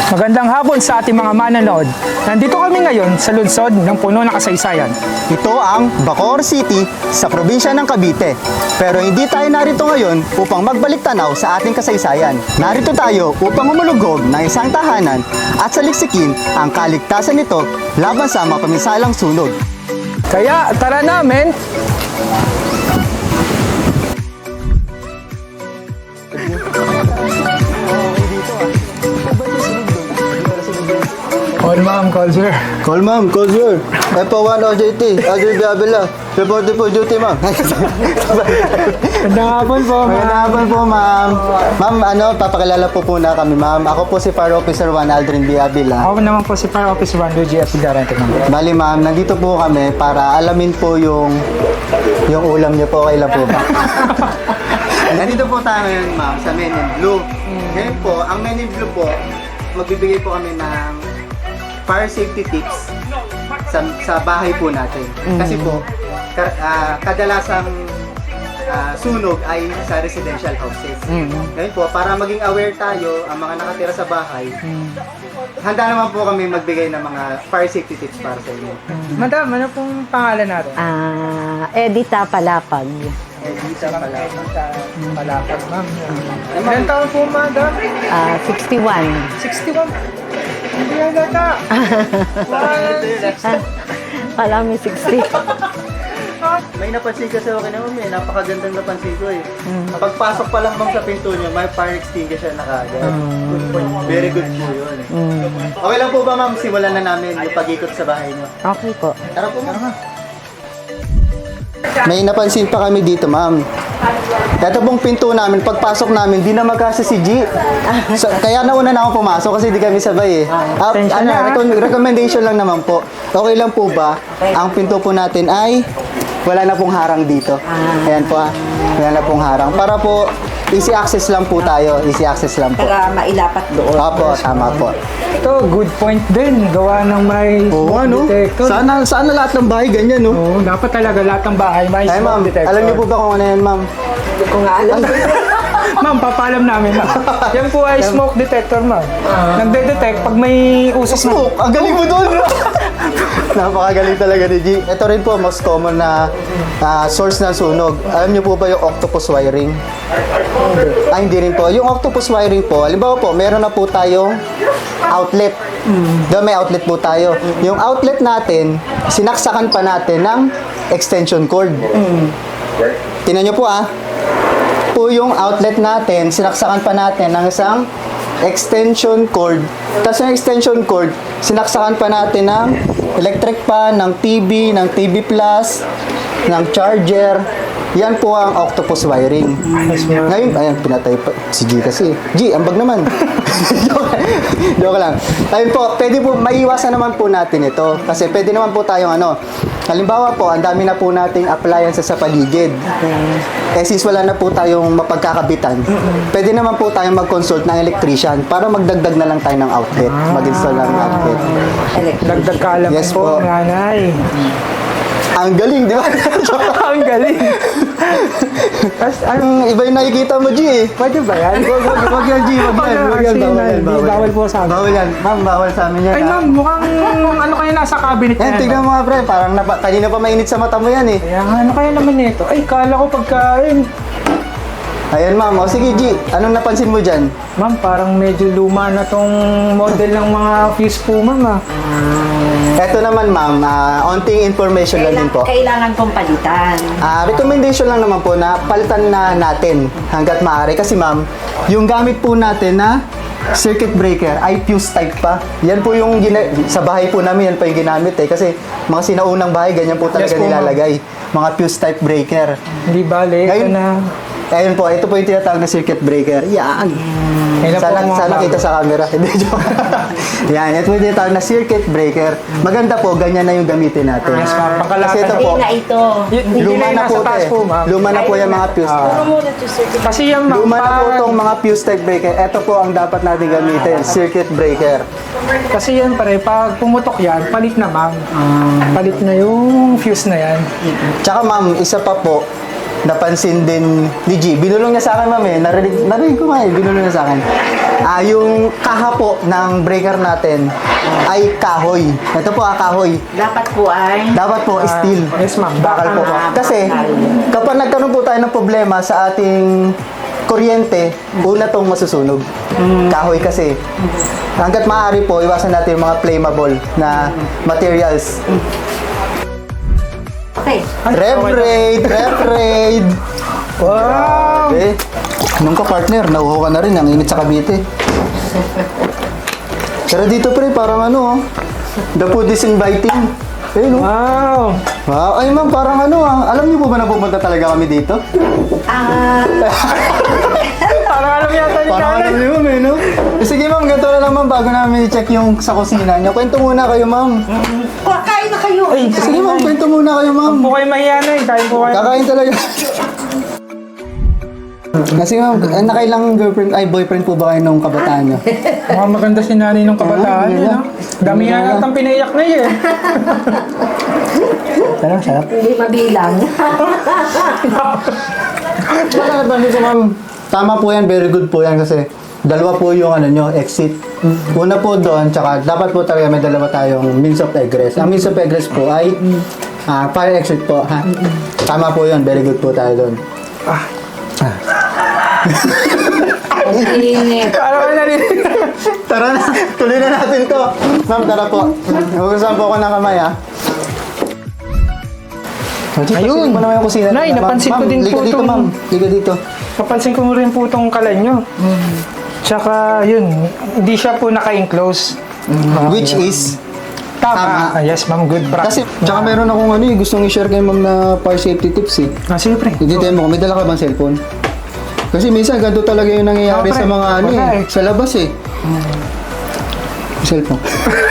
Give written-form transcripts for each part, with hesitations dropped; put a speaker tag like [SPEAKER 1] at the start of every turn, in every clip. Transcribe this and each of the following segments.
[SPEAKER 1] Magandang hapon sa ating mga manonood. Nandito kami ngayon sa lungsod ng puno ng kasaysayan.
[SPEAKER 2] Ito ang Bacoor City sa probinsya ng Cavite. Pero hindi tayo narito ngayon upang magbalik tanaw sa ating kasaysayan. Narito tayo upang humulughog ng isang tahanan at saliksikin ang kaligtasan nito laban sa mapamisalang sunog.
[SPEAKER 1] Kaya tara namin! Call ma'am, call sir.
[SPEAKER 2] Call ma'am, call sir. F1 OJT, Adri Biabela. Reported for duty, ma'am.
[SPEAKER 1] Magandang hapon po, ma'am.
[SPEAKER 2] Magandang hapon po, ma'am. Ma'am, papakilala po na kami, ma'am. Ako po si Fire Officer 1, Aldrin Biabela.
[SPEAKER 1] Ako naman po si Fire Officer 1, Luigi F. Garante, ma'am.
[SPEAKER 2] Bali, ma'am, nandito po kami para alamin po yung ulam niyo po. Kailan po ba? Nandito po tayo ngayon, ma'am, sa Men in Blue. Ngayon po, ang Men in Blue po, magbibigay po kami ng fire safety tips sa bahay po natin. Kasi po, kadalasang sunog ay sa residential houses. Ngayon po, para maging aware tayo, ang mga nakatira sa bahay, handa naman po kami magbigay ng mga fire safety tips para sa inyo.
[SPEAKER 1] Madam, ano pong pangalan natin?
[SPEAKER 3] Edita Palapag.
[SPEAKER 2] Edita pala.
[SPEAKER 1] Palapag, ma'am. Ilan taon po, madam?
[SPEAKER 3] 61.
[SPEAKER 1] 61. Hindi yan data.
[SPEAKER 3] Kala may 60.
[SPEAKER 2] May napansin kasi ako naman, may napakagandang napansin ko eh. Kapag pasok pa lang bang sa pinto niyo, may fire extinguisher na kaagad. Good point. Very good po yun. Okay lang po ba, ma'am? Simulan na namin yung pag-ikot sa bahay niyo.
[SPEAKER 3] Okay po.
[SPEAKER 2] Tara po, ma'am. May napansin pa kami dito, ma'am. Ito pong pinto namin, pagpasok namin, di na magkasa si G. So, kaya nauna na ako pumasok kasi di kami sabay eh. Recommendation lang naman po. Okay lang po ba? Ang pinto po natin ay wala na pong harang dito. Ayan po wala na pong harang. Para po, easy access lang po tayo. Easy access lang po.
[SPEAKER 3] Para mailapat doon.
[SPEAKER 2] Opo, tama po.
[SPEAKER 1] Ito, good point din. Gawa ng may
[SPEAKER 2] Oo,
[SPEAKER 1] smoke detector.
[SPEAKER 2] Sana lahat ng bahay ganyan, no?
[SPEAKER 1] Oo, dapat talaga lahat ng bahay may
[SPEAKER 2] Ay, ma'am,
[SPEAKER 1] smoke detector.
[SPEAKER 2] alam niyo po ba kung ano yan, ma'am?
[SPEAKER 3] Hindi ko nga alam.
[SPEAKER 1] Ma'am, papaalam namin, ma'am. Yan po ay smoke detector, ma'am. Nagde-detect pag may usok na.
[SPEAKER 2] Smoke! Ang galing mo doon! Napakagaling talaga ni G. Ito rin po, most common na source ng sunog. Alam niyo po ba yung octopus wiring? Ay, hindi rin po. Yung octopus wiring po, halimbawa po, meron na po tayong outlet. Doon may outlet po tayo. Yung outlet natin, sinaksakan pa natin ng extension cord. Tingnan niyo po po yung outlet natin, sinaksakan pa natin ng isang extension cord. Tapos yung extension cord, sinaksakan pa natin ng electric fan, ng TV Plus, ng charger. Yan po ang octopus wiring. Ngayon, ayan, pinatay pa. Si G kasi. G, ambag naman. Joke lang. Ayun po, pwede po, maiiwasan naman po natin ito. Kasi pwede naman po tayong halimbawa po, ang dami na po nating appliances sa paligid. Since wala na po tayong mapagkakabitan, pwede naman po tayong mag-consult ng electrician para magdagdag na lang tayo ng outlet. Mag-install lang ng outlet.
[SPEAKER 1] Dagdag kalam
[SPEAKER 2] Yes
[SPEAKER 1] po,
[SPEAKER 2] po.
[SPEAKER 1] nanay.
[SPEAKER 2] Ang galing, di ba?
[SPEAKER 1] Ang galing. Tapos, ano,
[SPEAKER 2] Iba yung nakikita mo, G eh.
[SPEAKER 1] pwede ba yan?
[SPEAKER 2] Wag yan, G. Wag yan.
[SPEAKER 1] Bawal po sa amin.
[SPEAKER 2] Bawal yan. Ma'am, bawal sa amin yan.
[SPEAKER 1] Ay, ma'am, mukhang ano kaya nasa cabinet
[SPEAKER 2] Yan,
[SPEAKER 1] na
[SPEAKER 2] tignan mo nga, pre. Parang kanina pa mainit sa mata mo yan eh.
[SPEAKER 1] Kaya nga, ano kaya naman nito? Ay, kala ko pagkain.
[SPEAKER 2] Ayan, ma'am. O, sige, G. Anong napansin mo dyan?
[SPEAKER 1] Ma'am, parang medyo luma na tong model ng mga fuse po, ma'am.
[SPEAKER 2] Ito naman, ma'am. Onting information lang din po.
[SPEAKER 3] Kailangan pong palitan.
[SPEAKER 2] Recommendation lang naman po na palitan na natin hanggat maaari. Kasi, ma'am, yung gamit po natin na circuit breaker ay fuse type pa. Yan po yung sa bahay po namin, yan pa yung ginamit eh. Kasi mga sinaunang bahay, ganyan po talaga
[SPEAKER 1] Yes po, ma'am.
[SPEAKER 2] nilalagay. Mga fuse type breaker.
[SPEAKER 1] Hindi bale, ito
[SPEAKER 2] Ngayon,
[SPEAKER 1] na.
[SPEAKER 2] Ayun po, ito po yung tinatawag na circuit breaker. Yan.
[SPEAKER 1] Kailan po
[SPEAKER 2] Sana,
[SPEAKER 1] mga
[SPEAKER 2] sana
[SPEAKER 1] bago?
[SPEAKER 2] kita sa camera. Hindi, joke. Yan, ito po yung tinatawag na circuit breaker. Maganda po, ganyan na yung gamitin natin.
[SPEAKER 1] Yes, ma'am.
[SPEAKER 2] Kasi
[SPEAKER 1] Pangkalatan.
[SPEAKER 2] ito
[SPEAKER 3] Hindi
[SPEAKER 2] po,
[SPEAKER 3] na ito.
[SPEAKER 1] Hindi
[SPEAKER 2] luma
[SPEAKER 1] na
[SPEAKER 2] na po
[SPEAKER 1] nasa
[SPEAKER 2] ito
[SPEAKER 1] taas
[SPEAKER 2] eh.
[SPEAKER 1] po, ma'am.
[SPEAKER 2] Luma na po yung mga fuse.
[SPEAKER 1] Kasi yan, ma'am,
[SPEAKER 2] Luma na po
[SPEAKER 1] parang-
[SPEAKER 2] itong mga fuse type breaker. Ito po ang dapat natin gamitin, circuit breaker.
[SPEAKER 1] Kasi yan, pare, pag pumutok yan, palit na, ma'am. Palit na yung fuse na yan.
[SPEAKER 2] Tsaka ma'am, isa pa po, napansin din ni G. Binulong niya sa akin, ma'am, eh. Narinig ko nga, eh. Binulong niya sa akin. Yung kaha po ng breaker natin ay kahoy. Ito po, kahoy.
[SPEAKER 3] Dapat po ay...
[SPEAKER 2] Dapat po, steel.
[SPEAKER 1] Yes, ma'am.
[SPEAKER 2] Bakal po. Kasi, kapag nagkaroon po tayo ng problema sa ating kuryente, una tong masusunog. Kahoy kasi. Hanggat maaari po, iwasan natin yung mga flammable na materials.
[SPEAKER 3] Okay.
[SPEAKER 2] Rev raid!
[SPEAKER 1] Wow!
[SPEAKER 2] Nung ka partner, nauho ka na rin, ang init sa Cavite. Pero dito pre, parang ano, the food is inviting. No?
[SPEAKER 1] Wow!
[SPEAKER 2] Wow, ay ma'am, parang ano alam niyo po ba na pupunta talaga kami dito?
[SPEAKER 1] Parang alam yata ni
[SPEAKER 2] Parang alam
[SPEAKER 1] Nanay.
[SPEAKER 2] niyo ma'am, no? Sige ma'am, ganito na lang ma'am, bago namin i-check yung sa kusina niyo. Kwento muna kayo ma'am.
[SPEAKER 3] Kain na kayo.
[SPEAKER 1] Ay,
[SPEAKER 2] Sige ma'am, kwento muna kayo ma'am.
[SPEAKER 1] po kayo mahiya na eh. Kain po kayo.
[SPEAKER 2] Kakain talaga. Kasi ma'am, nakailang girlfriend, ay boyfriend po ba kayo nung kabataan niyo?
[SPEAKER 1] Mukhang maganda si Nanay nung kabataan
[SPEAKER 2] Ah,
[SPEAKER 1] yun, ha? Dami nga natang pinaiyak na eh.
[SPEAKER 2] Sarap, sarap.
[SPEAKER 3] Hindi mabilang.
[SPEAKER 2] Wala ba dito ma'am? Tama po yan, very good po yan kasi dalawa po yung ano nyo, exit. Una po doon, tsaka dapat po talaga may dalawa tayong means of egress. Ang means of egress po ay fire exit po. Ha? Tama po yun, very good po tayo doon.
[SPEAKER 3] Init.
[SPEAKER 1] Parang ka narinig.
[SPEAKER 2] Tara na, tuloy na natin to. Ma'am, tara po. Hugasan po ako ng kamay ha.
[SPEAKER 1] Ayun.
[SPEAKER 2] Mo naman yung kusina.
[SPEAKER 1] Nay,
[SPEAKER 2] Ma'am,
[SPEAKER 1] napansin ko din
[SPEAKER 2] liga
[SPEAKER 1] po
[SPEAKER 2] dito,
[SPEAKER 1] tong-
[SPEAKER 2] ma'am. Liga dito.
[SPEAKER 1] Napansin ko rin po itong kalan nyo. Tsaka, yun, hindi siya po naka-enclose.
[SPEAKER 2] Which is,
[SPEAKER 1] Tama.
[SPEAKER 2] Tama.
[SPEAKER 1] Yes, ma'am. Good
[SPEAKER 2] kasi,
[SPEAKER 1] practice.
[SPEAKER 2] tsaka meron akong ano gustong i-share kay ma'am na fire safety tips eh.
[SPEAKER 1] Sige, pre.
[SPEAKER 2] Hindi tayo mo, may dala ka bang cellphone? Kasi minsan ganito talaga yung nangyayari
[SPEAKER 1] Pre,
[SPEAKER 2] sa mga ano
[SPEAKER 1] wala
[SPEAKER 2] eh, sa labas eh. Cellphone.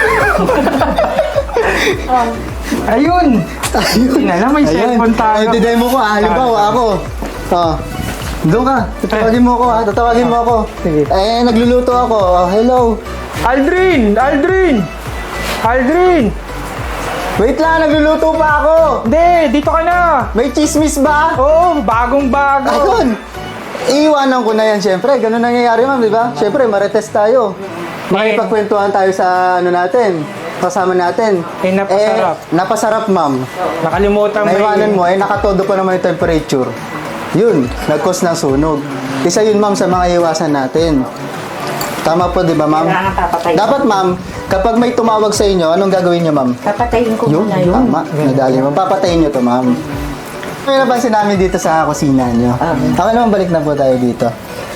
[SPEAKER 1] Ayun! Ayun na lang, may cellphone tayo.
[SPEAKER 2] Ay, didemo ko ah. Halimbawa ako. Doon ka. Tatawagin mo ako ah. Tatawagin mo ako.
[SPEAKER 1] Sige.
[SPEAKER 2] Nagluluto ako. Hello.
[SPEAKER 1] Aldrin! Aldrin! Aldrin!
[SPEAKER 2] Wait lang, nagluluto pa ako.
[SPEAKER 1] Hindi, dito ka na!
[SPEAKER 2] May chismis ba?
[SPEAKER 1] Oo, bagong-bago.
[SPEAKER 2] Ayun. Iiwanan ko na yan, syempre. Ganun nangyayari, ma'am, di ba? Syempre, marites tayo. Makipagkwentuhan tayo sa ano natin, kasama natin.
[SPEAKER 1] Napasarap.
[SPEAKER 2] Napasarap, ma'am.
[SPEAKER 1] Nakalimutan mo
[SPEAKER 2] Naiwanan mo, nakatodo pa naman yung temperature. Yun, nag-cause ng sunog. Isa yun, ma'am, sa mga iwasan natin. Tama po, di ba, ma'am?
[SPEAKER 3] Kailangan papatayin.
[SPEAKER 2] Dapat, ma'am, kapag may tumawag sa inyo, anong gagawin niyo, ma'am?
[SPEAKER 3] Papatayin ko
[SPEAKER 2] Yun,
[SPEAKER 3] muna yun.
[SPEAKER 2] tama. Nadali mo. Papatayin niyo to, ma'am. May napansin namin dito sa kusina niyo. Ako naman, balik na po tayo dito.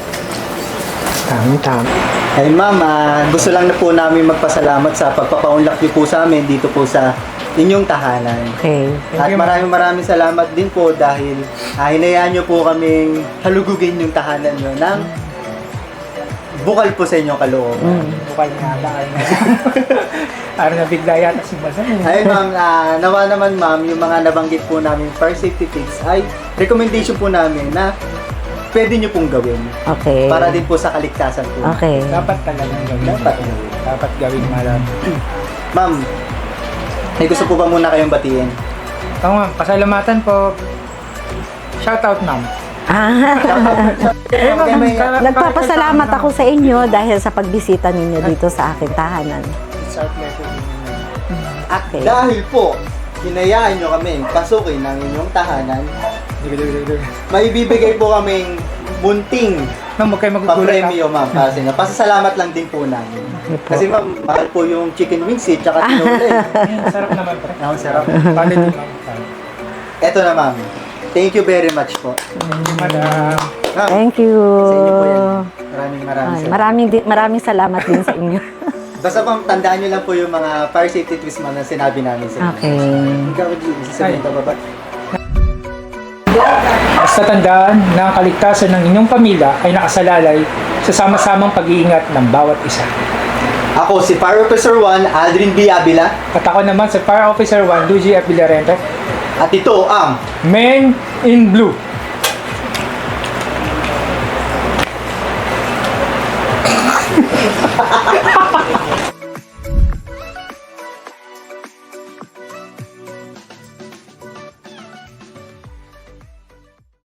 [SPEAKER 1] Tama.
[SPEAKER 2] Ay ma'am, gusto lang na po namin magpasalamat sa pagpapaunlak niyo po sa amin dito po sa inyong tahanan.
[SPEAKER 3] Okay.
[SPEAKER 2] At maraming salamat din po dahil hinayaan niyo po kaming halugugin yung tahanan niyo ng bukal po sa inyong kalooban.
[SPEAKER 1] Bukal nga ba? Parang nabigla yata si Basan.
[SPEAKER 2] Ayun ma'am, nawa naman ma'am, yung mga nabanggit po namin fire safety tips ay recommendation po namin na pwede niyo pong gawin.
[SPEAKER 3] Okay.
[SPEAKER 2] Para din po sa kaligtasan po.
[SPEAKER 3] Okay.
[SPEAKER 1] Dapat talagang gawin. Dapat gawin malam.
[SPEAKER 2] Ma'am, may gusto po ba muna kayong batiin?
[SPEAKER 1] Oo, ma'am. Pasalamatan po. Shoutout, ma'am.
[SPEAKER 2] Okay, may-
[SPEAKER 3] Nagpapasalamat ako sa inyo dahil sa pagbisita ninyo dito sa aking tahanan.
[SPEAKER 1] Start letter.
[SPEAKER 3] Okay.
[SPEAKER 2] Dahil po, hinayaan nyo kami pasukin ng inyong tahanan, may bibigay po kaming munting
[SPEAKER 1] Ma'am, huwag kayo magugulat.
[SPEAKER 2] papremyo, ma'am, para sa inyo. Pasasalamat lang din po namin. Kasi ma'am, mahal po yung chicken wings eh, tsaka tinola eh.
[SPEAKER 1] Sarap naman, pre.
[SPEAKER 2] Ang sarap.
[SPEAKER 1] Quality, ma'am.
[SPEAKER 2] Eto na, ma'am. Thank you very much po.
[SPEAKER 1] Madam.
[SPEAKER 2] Ma'am,
[SPEAKER 3] Thank you.
[SPEAKER 2] sa inyo po yan. Maraming
[SPEAKER 3] Ay,
[SPEAKER 2] salamat.
[SPEAKER 3] maraming salamat din sa inyo.
[SPEAKER 2] Basta ma'am, tandaan nyo lang po yung mga fire safety tips ma'am na sinabi namin sa inyo.
[SPEAKER 3] Okay.
[SPEAKER 2] Ikaw, sasabihin ka ba ba?
[SPEAKER 1] Basta tandaan na ang kaligtasan ng inyong pamilya ay nakasalalay sa sama-samang pag-iingat ng bawat isa.
[SPEAKER 2] Ako si Fire Officer 1, Aldrin B. Avila.
[SPEAKER 1] At ako naman sa Fire Officer 1, Luigi F. Villarente,
[SPEAKER 2] At ito ang
[SPEAKER 1] Men in Blue.